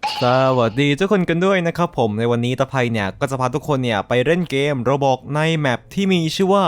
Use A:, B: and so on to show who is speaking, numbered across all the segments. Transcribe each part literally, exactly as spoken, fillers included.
A: สวัสดีทุกคนกันด้วยนะครับผมในวันนี้ตะไพเนี่ยก็จะพาทุกคนเนี่ยไปเล่นเกม Roblox ในแมปที่มีชื่อว่า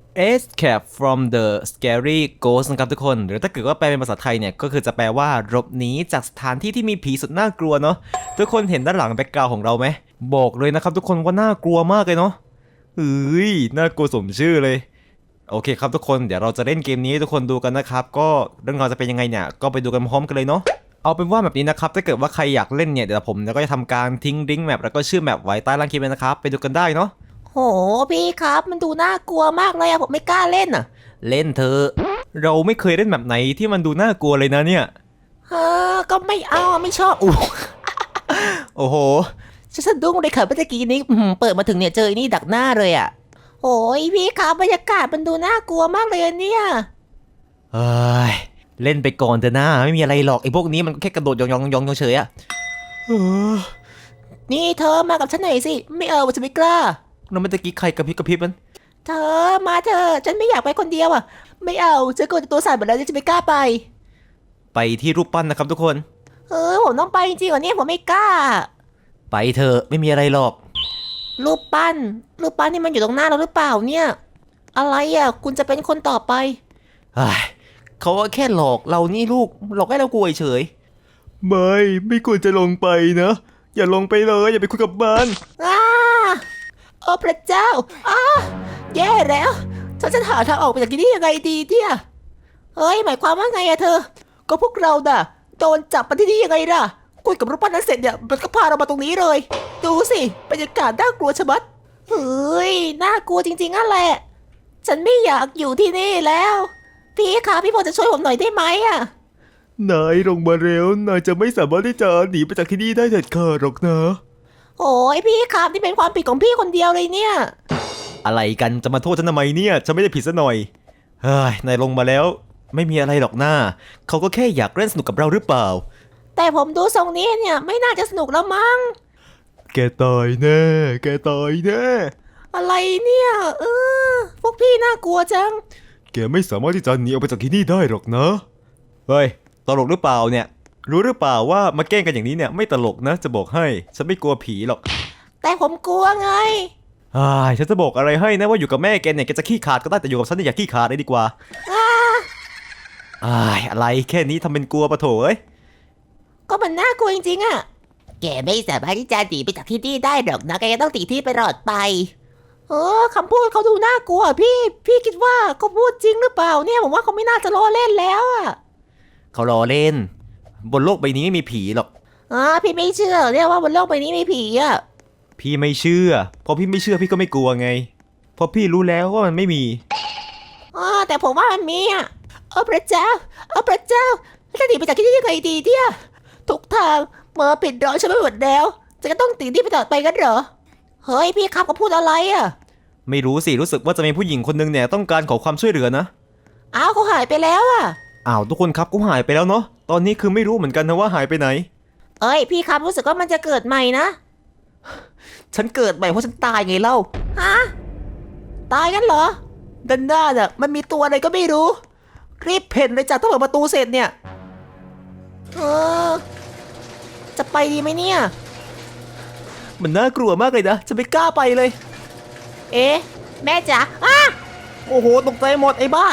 A: Escape from the Scary Ghost นะครับทุกคนหรือถ้าเกิดว่าแปลเป็นภาษาไทยเนี่ยก็คือจะแปลว่าหลบหนีจากสถานที่ที่มีผีสุดน่ากลัวเนาะทุกคนเห็นด้านหลังแบ็คกราวด์ของเราไหมบอกเลยนะครับทุกคนว่าน่ากลัวมากเลยเนาะเฮ้ยน่ากลัวสมชื่อเลยโอเคครับทุกคนเดี๋ยวเราจะเล่นเกมนี้ให้ทุกคนดูกันนะครับก็เรื่องราวจะเป็นยังไงเนี่ยก็ไปดูกันพร้อมกันเลยเนาะเอาเป็นว่าแบบนี้นะครับถ้าเกิดว่าใครอยากเล่นเนี่ยเดี๋ยวผมก็จะทำการทิ้งลิงก์แมปแล้วก็ชื่อแมปไว้ใต้ล่างคลิปเลยนะครับไปดูกันได้เนาะ
B: โหพี่ครับมันดูน่ากลัวมากเลยอะผมไม่กล้าเล่นอะ
A: เล่นเธอเราไม่เคยเล่นแบบไหนที่มันดูน่ากลัวเลยนะเนี่ย
B: เออก็ไม่เอาไม่ชอบอู้
A: โอ้โห
B: ฉันสะดุ้งเลยค่ะเมื่อกี้นี้อื้อหือเปิดมาถึงเนี่ยเจอไอ้นี่ดักหน้าเลยอะโอ้ยพี่ครับบรรยากาศมันดูน่ากลัวมากเลยอะเนี่ย
A: เฮ้ยเล่นไปก่อนเถอะนะไม่มีอะไรหรอกไอ้พวกนี้มันแค่กระโดดยองยองยองเฉยๆอะเออ
B: นี่เธอมากับฉันหน่อยสิไม่เอาฉันไม่กล้า
A: แล้วเมื่อกี้ใครกระพริบกระพริบมัน
B: เธอมาเธอฉันไม่อยากไปคนเดียวอะไม่เอาฉันกลัวจะตัวสั่นหมดแล้วฉันไม่กล้าไป
A: ไปที่รูปปั้นนะครับทุกคน
B: เออผมต้องไปจริงๆเหรอเนี่ยผมไม่กล้า
A: ไปเถอะไม่มีอะไรหรอก
B: รูปปั้นรูปปั้นนี่มันอยู่ตรงหน้าเราหรือเปล่าเนี่ยอะไรอะคุณจะเป็นคนต่อไป
A: เฮ้ยเขาก็แค่หลอกเรานี่ลูกหลอกให้เรากลัวเฉยไม่ไม่ควรจะลงไปนะอย่าลงไปเลยอย่าไปคุยกับมัน
B: อ้าโอ้พระเจ้าอ้าแย่แล้วฉันจะหาทางออกไปจากที่นี่ยังไงดีเนี่ยเฮ้ยหมายความว่าไงอะเธอก็พวกเราน่ะโดนจับมาที่นี่ยังไงล่ะคุยกับรูปปั้นนั้นเสร็จเนี่ยมันก็พาเรามาตรงนี้เลยดูสิบรรยากาศน่ากลัวชะมัดเฮ้ยน่ากลัวจริงๆนั่นแหละฉันไม่อยากอยู่ที่นี่แล้วพี่คะพี่พอจะช่วยผมหน่อยได้ไหมอะ
A: นายลงมาเร็วนายจะไม่สามารถที่จะหนีไปจากที่นี่ได้เด็ดขาดหรอกนะ
B: โอ้ยพี่ครับนี่เป็นความผิดของพี่คนเดียวเลยเนี่ย
A: อะไรกันจะมาโทษฉันทำไมเนี่ยฉันไม่ได้ผิดซะหน่อยเฮ้ยนายลงมาแล้วไม่มีอะไรหรอกหน้าเขาก็แค่อยากเล่นสนุกกับเราหรือเปล่า
B: แต่ผมดูทรงนี้เนี่ยไม่น่าจะสนุกแล้วมั้ง
A: แกตายแน่แกตายแน่
B: อะไรเนี่ยเออพวกพี่น่ากลัวจัง
A: แกไม่สามารถที่จะหนีออกไปจากที่นี่ได้หรอกนะเฮ้ยตลกหรือเปล่าเนี่ยรู้หรือเปล่าว่ามาแกล้งกันอย่างนี้เนี่ยไม่ตลกนะจะบอกให้ฉันไม่กลัวผีหรอก
B: แต่ผมกลัวไง
A: อ่าฉันจะบอกอะไรให้นะว่าอยู่กับแม่แกเนี่ยแกจะขี้ขาดก็ได้แต่อยู่กับฉันเนี่ยอย่าขี้ขาดเลยดีกว่า
B: อ่า
A: อ่าอะไรแค่นี้ทำเป็นกลัวปะโถเอ้ย
B: ก็มันน่ากลัวจริงๆอะแกไม่สามารถที่จะหนีไปจากที่นี่ได้หรอกนะแกต้องตีที่ไปตลอดไปเออคำพูดเขาดูน่ากลัวพี่พี่คิดว่าเขาพูดจริงหรือเปล่าเนี่ยผมว่าเขาไม่น่าจะล้อเล่นแล้วอะ
A: เขาล้อเล่นบนโลกใบนี้ไม่มีผีหรอก
B: อ่าพี่ไม่เชื่อเรียกว่าบนโลกใบนี้มีผีอะ
A: พี่ไม่เชื่อพอพี่ไม่เชื่อพี่ก็ไม่กลัวไงเพราะพี่รู้แล้วว่ามันไม่มี
B: อ่าแต่ผมว่ามันมีอะเออพระเจ้าเออพระเจ้าจะหนีไปจากที่นี่ยังไงดีเนี่ยทุกทางเมื่อปิดร้อยฉันไม่หมดแล้วจะก็ต้องตีที่ไปต่อไปกันเหรอเฮ้ยพี่ครับเขาพูดอะไรอะ
A: ไม่รู้สิรู้สึกว่าจะมีผู้หญิงคนนึงเนี่ยต้องการขอความช่วยเหลือนะ
B: อ้าวเขาหายไปแล้วอะ
A: อ้าวทุกคนครับก็หายไปแล้วเนาะตอนนี้คือไม่รู้เหมือนกันนะว่าหายไปไหน
B: เอ้ยพี่ครับรู้สึกว่ามันจะเกิดใหม่นะ
A: ฉันเกิดใหม่เพราะฉันตายไงเล่า
B: ฮะตายกันเหรอดันด้าน่ะมันมีตัวอะไรก็ไม่รู้รีบเพ่นเลยจ้ะถ้าเปิดประตูเสร็จเนี่ยเออจะไปดีไหมเนี่ย
A: มันน่ากลัวมากเลยนะจะไม่กล้าไปเลย
B: เอ๊ะแม่จ๋าอ้า
A: โอ้โหตกใจหมดไอ้บ้า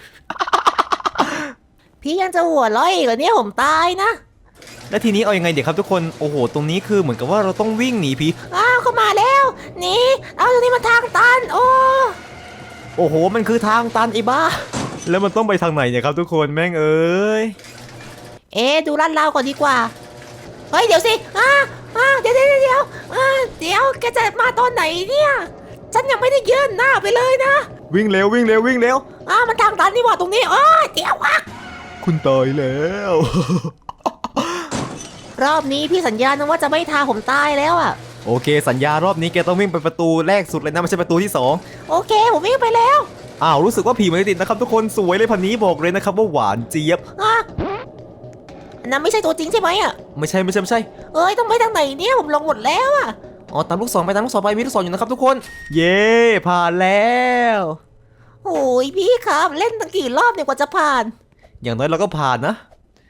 B: พี่ยังจะหัวเราะอีกเหรอเนี่ยผมตายนะ
A: แล้วทีนี้เอายังไงเดี๋ยวครับทุกคนโอ้โหตรงนี้คือเหมือนกับว่าเราต้องวิ่งหนีผี
B: อ้าวเข้ามาแล้วหนีเอาตรงนี้มันทางตันโอ้
A: โอ้โหมันคือทางตันไอ้บ้าแล้วมันต้องไปทางไหนเนี่ยครับทุกคนแม่งเอ้ย
B: เอ๊ะดูลาดเราก่อนดีกว่าเฮ้ยเดี๋ยวสิอ้าอ้าเดี๋ยวเดี๋ยวเดี๋ยวอ้าเดี๋ยวแกจะมาตอนไหนเนี่ยฉันยังไม่ได้ยื่นหน้าไปเลยนะ
A: วิ่งเร็ววิ่งเร็ววิ่งเร็ว
B: อ้ามันทางตันนี่หว่าตรงนี้โอ้ยเดี๋ยววะ
A: คุณตายแล้ว
B: รอบนี้พี่สัญญานะว่าจะไม่ทาผมตายแล้วอ่ะ
A: โอเคสัญญารอบนี้แกต้องวิ่งไปประตูแรกสุดเลยนะไม่ใช่ประตูที่สอง
B: โอเคผมวิ่งไปแล้ว
A: อ้าวรู้สึกว่าผีมันติดนะครับทุกคนสวยเลยพันนี้บอกเลยนะครับว่าหวานเจี๊ยบ
B: อ่ะนั่นไม่ใช่ตัวจริงใช่ไหมอ่ะ
A: ไม่ใช่ไม่ใช่ไม่ใช่
B: เอ้ยต้องไปทางไหนเนี่ยผมลงหมดแล้วอ่ะ
A: อ๋อตามลูกศรไปตามลูกศรไปมีลูกศรอยู่นะครับทุกคนเย้ผ่านแล้ว
B: โอ้ยพี่ครับเล่นตั้งกี่รอบเนี่ยกว่าจะผ่าน
A: อย่างน้อยเราก็ผ่านนะ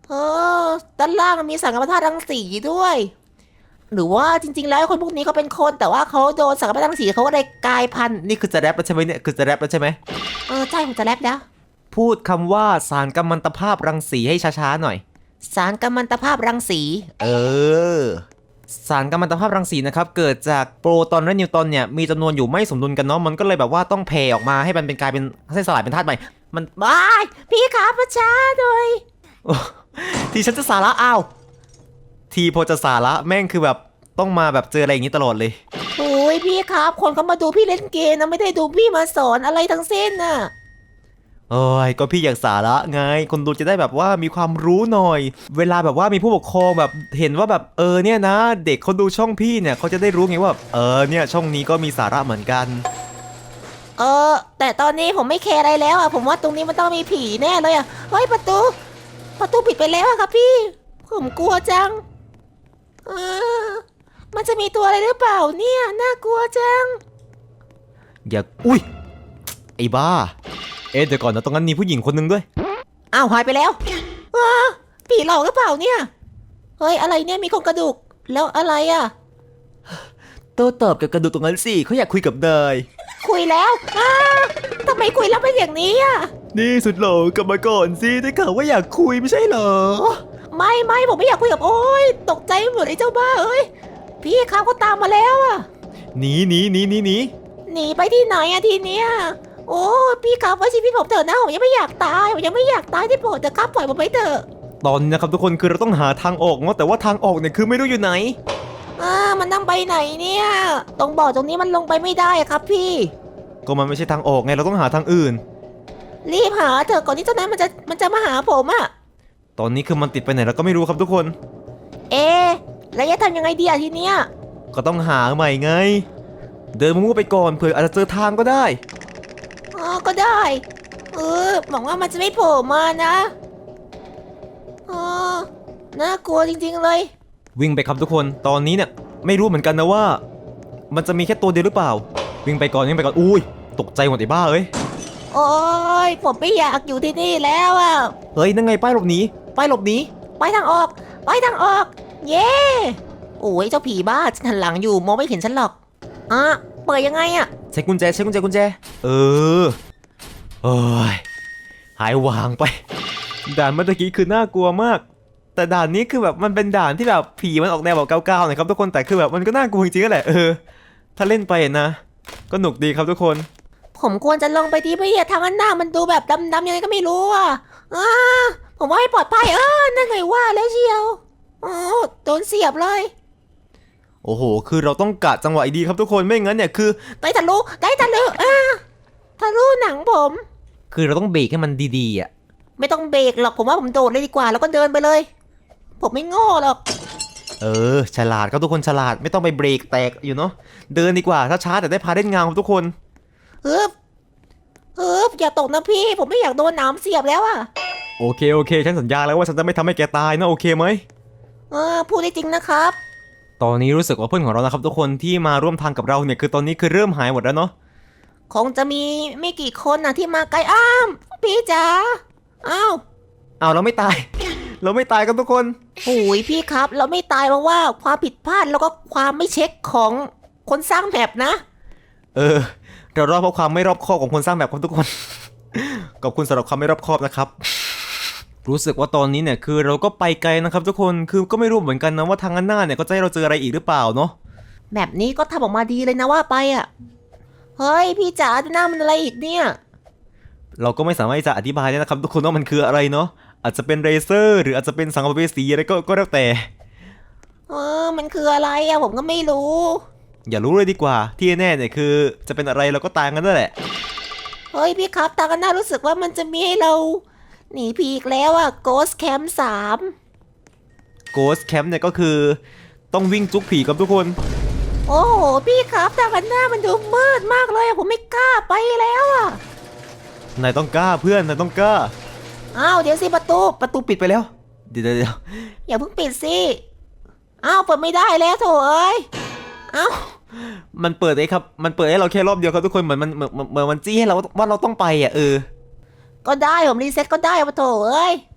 B: เออด้านล่างมีสังกัปธาตุรังสีด้วย หรือว่าจริงๆแล้วคนพวกนี้เขาเป็นคนแต่ว่าเขาโดนสังกัปธาตุรังสีเขาก็เลยกลายพันธุ์
A: นี่คือจะแรปแล้วใช่ไหมเนี่ยคือจะแรปแล้วใช่ไหม
B: เออใช่ผมจะแรปแล้ว
A: พูดคำว่าสารกัมมันตภาพรังสีให้ช้าๆหน่อย
B: สารกัมมันตภาพรังสี
A: เออ สารกัมมันตภาพรังสีนะครับเกิดจากโปรตอนและนิวตรอนเนี่ยมีจำนวนอยู่ไม่สมดุลกันเนาะมันก็เลยแบบว่าต้องแผ่ออกมาให้มันเป็นกลายเป็นให้สลายเป็นธาตุใหม่มัน
B: บายพี่ครับประชาหน่อย
A: ทีฉันจะสาระอ้าวทีพอจะสาระแม่งคือแบบต้องมาแบบเจออะไรอย่างนี้ตลอดเลย
B: โอ้ยพี่ครับคนเขามาดูพี่เล่นเกมนะไม่ได้ดูพี่มาสอนอะไรทั้งสิ้นน่ะ
A: เอ้ยก็พี่อยากสาระไงคนดูจะได้แบบว่ามีความรู้หน่อย เวลาแบบว่ามีผู้ปกครองแบบเห็นว่าแบบเออเนี่ยนะ เด็กเขาดูช่องพี่เนี่ยเขาจะได้รู้ไงว่าเออเนี่ยช่องนี้ก็มีสาระเหมือนกัน
B: เออแต่ตอนนี้ผมไม่แคร์อะไรแล้วอ่ะผมว่าตรงนี้มันต้องมีผีแน่เลยอ่ะเฮ้ยประตู ประตูปิดไปแล้วอะครับพี่ ผมกลัวจังเออมันจะมีตัวอะไรหรือเปล่าเนี่ยน่ากลัวจัง
A: อย่าอุ้ยไอ้บ้าเอ๊ะเดี๋ยวก่อนนะตรงนั้นมีผู้หญิงคนหนึงด้วย
B: อ้าวหายไปแล้วอ้าผีหลอกหรือเปล่าเนี่ยเฮ้ยอะไรเนี่ยมีโครงกระดูกแล้วอะไรอ่ะ
A: โต้ตอบกับกระดูกตรงนั้นสิเขาอยากคุยกับนาย
B: คุยแล้วอ้าทำไมคุยแล้วเป็นอย่างนี้อ่ะ
A: นี่สุดหล่อกลับมาก่อนสิได้ข่าวว่าอยากคุยไม่ใช่เหรอ
B: ไม่ไม่ผมไม่อยากคุยกับโอ้ยตกใจหมดไอ้เจ้าบ้าเอ้ยพี่เขาก็ตามมาแล้วอ่ะ
A: หนีหนีหนีหนีหนี
B: หนีไปที่ไหนอะทีเนี้ยโอ้พี่ครับไว้ชีวิตผมเถอะนะผมยังไม่อยากตายผมยังไม่อยากตายที่โปรดเถอะครับปล่อยผมไปเถอะ
A: ตอนนี้นะครับทุกคนคือเราต้องหาทางออกเนาะแต่ว่าทางออกเนี่ยคือไม่รู้อยู่ไหน
B: อ่ามันนั่งไปไหนเนี่ยตรงบ่อตรงนี้มันลงไปไม่ได้อะครับพี่
A: ก็มันไม่ใช่ทางออกไงเราต้องหาทางอื่น
B: รีบหาเถอะก่อนที่เจ้านั้นมันจะมันจะมาหาผมอะ
A: ตอนนี้คือมันติดไปไหนเราก็ไม่รู้ครับทุกคน
B: เอะแล้วจะทำยังไงดีอะทีเนี้ย
A: ก็ต้องหาใหม่ไง เดินมั่วๆไปก่อนเผื่ออาจจะเจอทางก็ได้
B: อ๋อก็ได้เออหวังว่ามันจะไม่โผล่มานะอ๋อน่ากลัวจริงๆเลย
A: วิ่งไปครับทุกคนตอนนี้เนี่ยไม่รู้เหมือนกันนะว่า มันจะมีแค่ตัวเดียวหรือเปล่า วิ่งไปก่อนวิ่งไปก่อนอุ้ยตกใจหมดไอ้บ้าเอ้ย
B: โอ้ยผมไม่อยากอยู่ที่นี่แล้วอะ
A: เฮ้ยนั่นไงป้ายหลบหนีป้ายหลบหนี
B: ไปทางออก ไปทางออก เย้โอ้ยเจ้าผีบ้าฉันหันหลังอยู่มองไม่เห็นฉันหรอกอ่ะเปิดยังไงอะ
A: ใช้กุญแจใช้กุญแจกุญแจเออเอ้ยหายวางไป ด่านเมื่อกี้คือน่ากลัวมาก แต่ด่านนี้คือแบบมันเป็นด่านที่แบบผีมันออกแนวแบบเก้าๆหน่อยครับทุกคนแต่คือแบบมันก็น่ากลัวจริงๆแหละเออถ้าเล่นไปนะ ก็หนุกดีครับทุกคน
B: ผมควรจะลงไปที่ไม่ทางด้านหน้ามันดูแบบดำๆยังไงก็ไม่รู้อ่ะอ่าผมว่าให้ปลอดภัยเออนั่นไงว่าแล้วเชียวอ๋อโดนเสียบเลย
A: โอ้โห คือเราต้องกะจังหวะดีครับทุกคนไม่งั้นเนี่ยคือ
B: ได้ทะลุได้ทะลุอ่าทะลุหนังผม
A: คือเราต้องเบรกให้มันดีๆอ่ะ
B: ไม่ต้องเบรกหรอกผมว่าผมโดดเลยดีกว่า แล้วก็เดินไปเลย ผมไม่โง่หรอก
A: เออฉลาดครับทุกคนฉลาดไม่ต้องไปเบรกแตกอยู่เนาะเดินดีกว่าถ้าช้าแต่ได้พาเล่นงานครับทุกคน
B: ฮึบฮึบอย่าตกนะพี่ ผมไม่อยากโดนหนามเสียบแล้วอ่ะ
A: โอเคโอเคฉันสัญญาแล้วว่าฉันจะไม่ทำให้แกตายนะโอเคไหม
B: เออพูดได้จริงนะครับ
A: ตอนนี้รู้สึกว่าเพื่อนของเรานะครับทุกคนที่มาร่วมทางกับเราเนี่ยคือตอนนี้คือเริ่มหายหมดแล้วเนาะ
B: คงจะมีไม่กี่คนนะที่มาไกลอ้ามพี่จ๋าอ้าว
A: เอาวเราไม่ตาย เราไม่ตายกันทุกคน
B: โอ้ยพี่ครับ เราไม่ตายเพราะว่าความผิดพลาดแล้วก็ความไม่เช็คของคนสร้างแมปนะ
A: เออเรารอดเพราะความไม่รอบคอบของคนสร้างแบบครับทุกคน ขอบคุณสำหรับความไม่รอบคอบนะครับ รู้สึกว่าตอนนี้เนี่ยคือเราก็ไปไกลนะครับทุกคนคือก็ไม่รู้เหมือนกันนะว่าทางหน้าเนี่ยก็จะให้เราเจออะไรอีกหรือเปล่าเนาะ
B: แบบนี้ก็ทำออกมาดีเลยนะว่าไปอ่ะ เฮ้ยพี่จ๋าหน้ามันอะไรอีกเนี่ย
A: เราก็ไม่สามารถที่จะอธิบายได้นะครับทุกคนว่ามันคืออะไรเนาะอาจจะเป็นเรเซอร์หรืออาจจะเป็นสังเวสีอะไรก็ก็แล้วแต่
B: เออมันคืออะไรอ่ะผมก็ไม่รู้
A: อย่ารู้เลยดีกว่าที่แน่เนี่ยคือจะเป็นอะไรเราก็ตายกันนั่นแหละ
B: เฮ้ยพี่ครับตากันหน้ารู้สึกว่ามันจะมีให้เราหนีผีอีกแล้วอ่ะ Ghost Camp สาม
A: Ghost Camp เนี่ยก็คือต้องวิ่งจุกผีกับทุกคน
B: โอ้โหพี่ครับตากันหน้ามันดูมืดมากเลยอะผมไม่กล้าไปแล้วอ่ะ
A: นายต้องกล้าเพื่อนนายต้องกล้า
B: อ้าวเดี๋ยวสิประตู
A: ประตูปิดไปแล้วเดี๋ยวเดี๋ยวเดี๋ยว
B: อย่าเพิ่งปิดสิ อ้าวเปิดไม่ได้แล้วโถเอ้ยอ้าว
A: มันเปิดไอ้ครับมันเปิดให้เราแค่รอบเดียวครับทุกคนเหมือนมันเหมือนเหมือนมันจี้ให้เราว่าเราต้องไปอ่ะเออ
B: ก็ได้ผมรีเซ็ตก็ได้ปะโถเอ้ย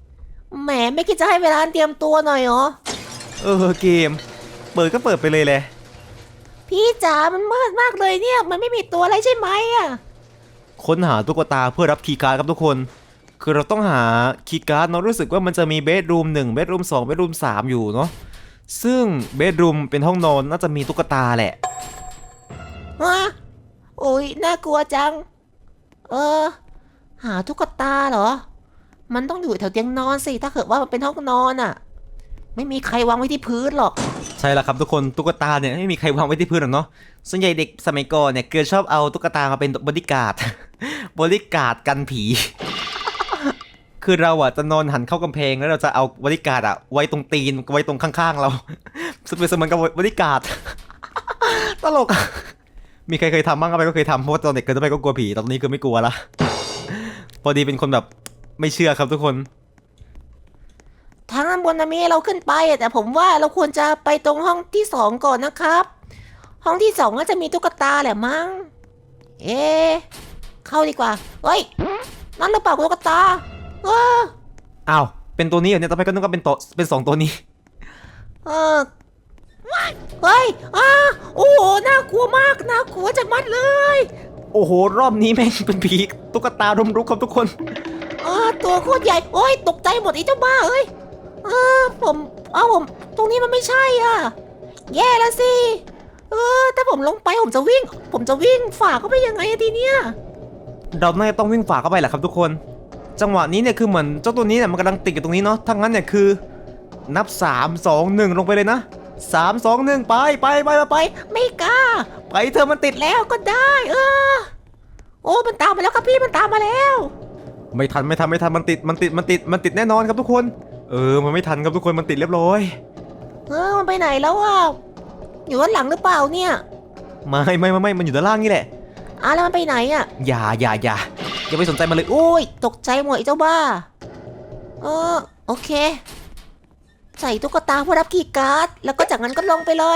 B: แหมไม่คิดจะให้เวลาเตรียมตัวหน่อยเหรอ
A: เออเกม เปิดก็เปิดไปเลยแหละ
B: พี่จ๋ามันมืดมากเลยเนี่ย มันไม่มีตัวอะไรใช่ไหมอะ
A: ค้นหาตุ๊กตาเพื่อรับคีย์การ์ดครับทุกคน คือเราต้องหาคีย์การ์ดเนาะรู้สึกว่ามันจะมีเบดรูมหนึ่งเบดรูมสองเบดรูมสามอยู่เนาะซึ่งเบดรูมเป็นห้องนอนน่าจะมีตุ๊กตาแหละ
B: ฮะโอ้ยน่ากลัวจัง เออ หาตุ๊กตาเหรอ มันต้องอยู่แถวเตียงนอนสิถ้าเกิดว่ามันเป็นห้องนอนอะไม่มีใครวางไว้ที่พื้นหรอก
A: ใช่แล้วครับทุกคนตุ๊กตาเนี่ยไม่มีใครวางไว้ที่พื้นหรอกเนาะส่วนใหญ่เด็กสมัยก่อนเนี่ยเกิดชอบเอาตุ๊กตามาเป็นบอดี้การ์ด บอดี้การ์ดกันผี คือเราอ่ะจะนอนหันเข้ากำแพงแล้วเราจะเอาบอดี้การ์ดอ่ะไว้ตรงตีนไว้ตรงข้างๆเรา ซึ่งเป็นเสมือนกับบอดี้การ์ด ตลกอะมีใครเคยทำบ้างอะไรก็เคยทำเพราะว่าตอนเด็กเกิดไปก็กลัวผีตอนนี้คือไม่กลัวละ พอดีเป็นคนแบบไม่เชื่อครับทุกคน
B: ทางด้านบนนะมีให้เราขึ้นไปอะแต่ผมว่าเราควรจะไปตรงห้องที่สองก่อนนะครับ ห้องที่สองน่าจะมีตุ๊กตาแหละมั้ง เอ๊ะเข้าดีกว่า เฮ้ย นั่นหรือเปล่าตุ๊กตาเออ
A: อ้าวเป็นตัวนี้เหรอเนี่ยต่อไปก็นึกว่าเป็นตัวเป็นสองตัวนี้
B: เออเฮ้ยอ้าโอ้โห น่ากลัวมาก น่ากลัวจะมัดเลย
A: โอ้โหรอบนี้แม่งเป็นผีตุ๊กตารุมรุกครับทุกคน
B: อ่าตัวโคตรใหญ่ โอ้ย ตกใจหมดไอ้เจ้าบ้าเอ้ยอ่าผมเอาผม ตรงนี้มันไม่ใช่อ่ะ แย่แล้วสิ เออ ถ้าผมลงไปผมจะวิ่ง ผมจะวิ่งฝ่าเข้าไปยังไงอะทีเนี้ย
A: เราน่าจะต้องวิ่งฝ่าเข้าไปแหละครับทุกคน จังหวะนี้เนี่ยคือเหมือนเจ้าตัวนี้เนี่ยมันกำลังติดอยู่ตรงนี้เนาะทั้งนั้นเนี่ยคือ นับสาม สอง หนึ่งลงไปเลยนะสาม สอง หนึ่งไปไปไปไปไป
B: ไม่กล้า
A: ไปเธอะมันติดแล้ว
B: แล้วก็ได้ เออ โอ้ มันตามมาแล้วครับพี่ มันตามมาแล้ว
A: ไม่ทันไม่ทันไม่ทันมันติดมันติดมันติดมันติดแน่นอนครับทุกคน เออมันไม่ทันครับทุกคนมันติดเรียบร้อย
B: เออ มันไปไหนแล้วอ่ะ อยู่ด้านหลังหรือเปล่าเนี่ย
A: ไม่ไม่ไม่ไม่มันอยู่ด้านล่างนี่แหละ
B: อ่ะแล้วมันไปไหนอ่ะ
A: อย่าอย่าอย่าอย่าไปสนใจมันเลย
B: อุ้ย ตกใจหมดไอ้เจ้าบ้า เออ โอเค ใส่ตุ๊กตาเพื่อรับคีย์การ์ด แล้วก็จากนั้นก็ลงไปเลย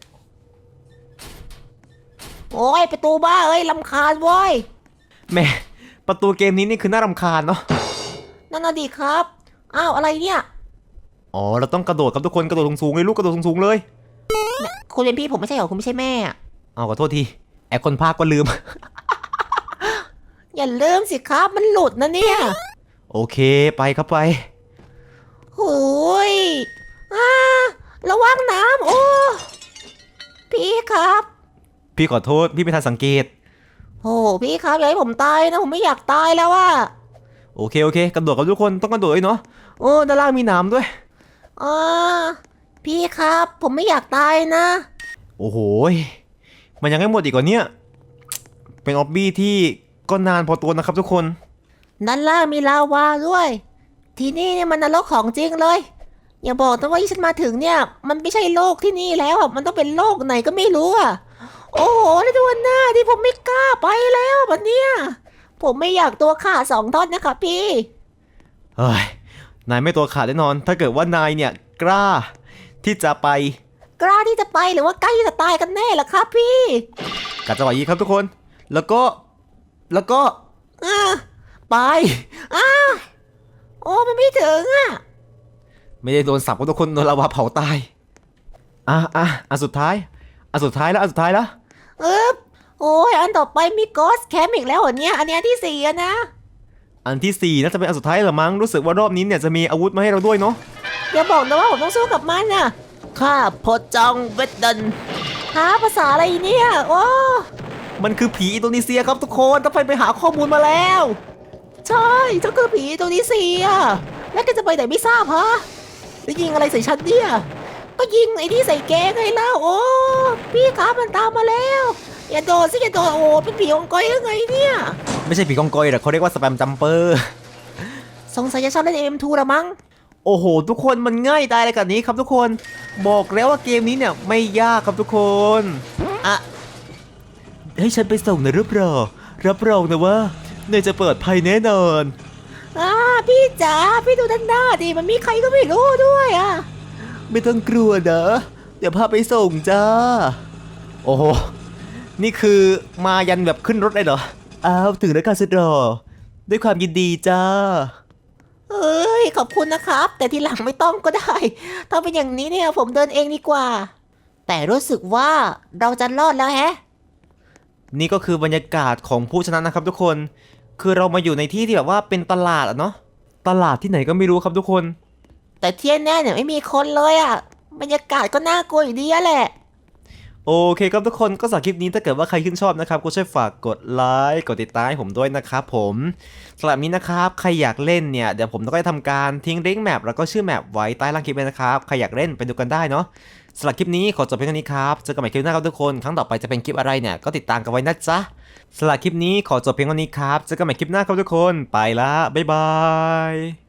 B: โอ้ย ประตูบ้าเอ้ยลำคาญเว้ย
A: แหม่ประตูเกมนี้นี่คือน่ารำคาญเนาะ
B: นั่นน่ะดีครับ อ้าว อะไรเนี่ย
A: อ๋อเราต้องกระโดดครับทุกคนกระโดดสูงๆเลยลูกกระโดดสูงๆเลย
B: คุณเป็นพี่ผมไม่ใช่เหรอ คุณไม่ใช่แม่อะ
A: เอาขอโทษทีแอบคนพากก็ลืม
B: อย่าลืมสิครับ มันหลุดนะเนี่ย
A: โอเคไปครับไป
B: โอ้ยอ่าระวังน้ำโอ้ พี่ครับ
A: พี่ขอโทษพี่ไม่ทันสังเกต
B: โอ้พี่ครับอย่าให้ผมตายนะ ผมไม่อยากตายแล้วว่า
A: โอเคโอเคกระโดดกับทุกคนต้องกระโดดด้วยเนาะโอ้ด้านล่างมีหนามด้วย
B: อ่าพี่ครับ ผมไม่อยากตายนะ
A: โอ้โหยมันยังไม่หมดอีกเหรอเนี่ยเป็นออบบี้ที่ก็นานพอตัวนะครับทุกคน
B: ด้านล่างมีลาวาด้วย ที่นี่เนี่ยมันนรกของจริงเลย อย่าบอกนะว่าที่ฉันมาถึงเนี่ย มันไม่ใช่โลกที่นี่แล้วอะมันต้องเป็นโลกไหนก็ไม่รู้อ่ะ โอ้โหแล้วตัวหน้าที่ผมไม่กล้าไปแล้วแบบเนี้ยผมไม่อยากตัวขาดสองท่อนนะครับพี่
A: เฮ้ยนายไม่ตัวขาดแน่นอน ถ้าเกิดว่านายเนี่ยกล้าที่จะไป
B: กล้าที่จะไปหรือว่าใกล้จะตายกันแน่ล่ะครับพี่
A: กัดจังหวะนี้ครับทุกคน แล้วก็แล้วก็
B: อ่า
A: ไป
B: อ่าโอ้มันไม่ถึงอ่ะ
A: ไม่ได้โดนสับก็ทุกคนโดนลาวาเผาตายอ่ะอ่ะอันสุดท้ายอันสุดท้ายแล้วอันสุดท้ายแล้ว
B: เออโอ้ยอันต่อไปมีกอสแคมอีกแล้วเหรอเนี่ยอันเนี้ยที่สี่อะนะ
A: อันที่สี่น่าจะเป็นอันสุดท้ายเหรอมั้งรู้สึกว่ารอบนี้เนี่ยจะมีอาวุธมาให้เราด้วยเนาะ
B: อย่าบอกนะว่าผมต้องสู้กับมันน่ะข้าพอจองเวดเดนหาภาษาอะไรเนี่ยโอ้
A: มันคือผีอินโดนีเซียครับทุกคนต้องไปไปหาข้อมูลมาแล้ว
B: ใช่เจ้าคือผีตัวนี้สี่อะแล้วแกจะไปไหนไม่ทราบฮะแล้วยิงอะไรใส่ฉันเนี่ยก็ยิงไอ้นี่ใส่แกไงเล่าโอ้พี่ครับมันตามมาแล้วอย่าโดนสิอย่าโดนโอ้เป็นผีองค์กอยหรือไงเนี่ย
A: ไม่ใช่ผีกองกอยหรอกเขาเรียกว่าสแปมจัมเปอร์
B: สงสัยจะชอบเล่น เอ็ม ทู ละมั้ง
A: โอ้โห ทุกคนมันง่ายตายเลยกับนี้ครับทุกคนบอกแล้วว่าเกมนี้เนี่ยไม่ยากครับทุกคนอะให้ฉันไปส่งหน่อยรับรองรับรองนะว่าเนยจะเปิดภัยแน่นอน
B: อ่าพี่จ๋าพี่ดูด้านหน้าดิมันมีใครก็ไม่รู้ด้วยอ่ะ
A: ไม่ต้องกลัวนะเดี๋ยวพาไปส่งจ้าโอ้โหนี่คือมายันแบบขึ้นรถเลยเหรออ้าวถึงแล้วค่ะสุดหล่อด้วยความยินดีจ้า
B: เอเอ้ยขอบคุณนะครับ แต่ทีหลังไม่ต้องก็ได้ ถ้าเป็นอย่างนี้เนี่ยผมเดินเองดีกว่า แต่รู้สึกว่าเราจะรอดแล้วแฮะ
A: นี่ก็คือบรรยากาศของผู้ชนะนะครับทุกคน คือเรามาอยู่ในที่ที่แบบว่าเป็นตลาดอะเนาะ ตลาดที่ไหนก็ไม่รู้ครับทุกคน
B: แต่เที่ยแน่เนี่ยไม่มีคนเลยอ่ะ บรรยากาศก็น่ากลัวอยู่ดีอะแหละ
A: โอเคครับทุกคนก็สำหรับคลิปนี้ถ้าเกิดว่าใครชื่นชอบนะครับก็ช่วยฝากกดไลค์กดติดตามให้ผมด้วยนะครับผมสำหรับนี้นะครับใครอยากเล่นเนี่ยเดี๋ยวผมต้องได้ทำการทิ้งลิงก์แมปแล้วก็ชื่อแมปไว้ใต้ล่างคลิปเลยนะครับใครอยากเล่นไปดูกันได้เนาะสำหรับคลิปนี้ขอจบเพียงเท่านี้ครับเจอกันใหม่คลิปหน้าครับทุกคนครั้งต่อไปจะเป็นคลิปอะไรเนี่ยก็ติดตามกันไว้นะจ๊ะสำหรับคลิปนี้ขอจบเพียงเท่านี้ครับเจอกันใหม่คลิปหน้าครับทุกคนไปละบ๊ายบาย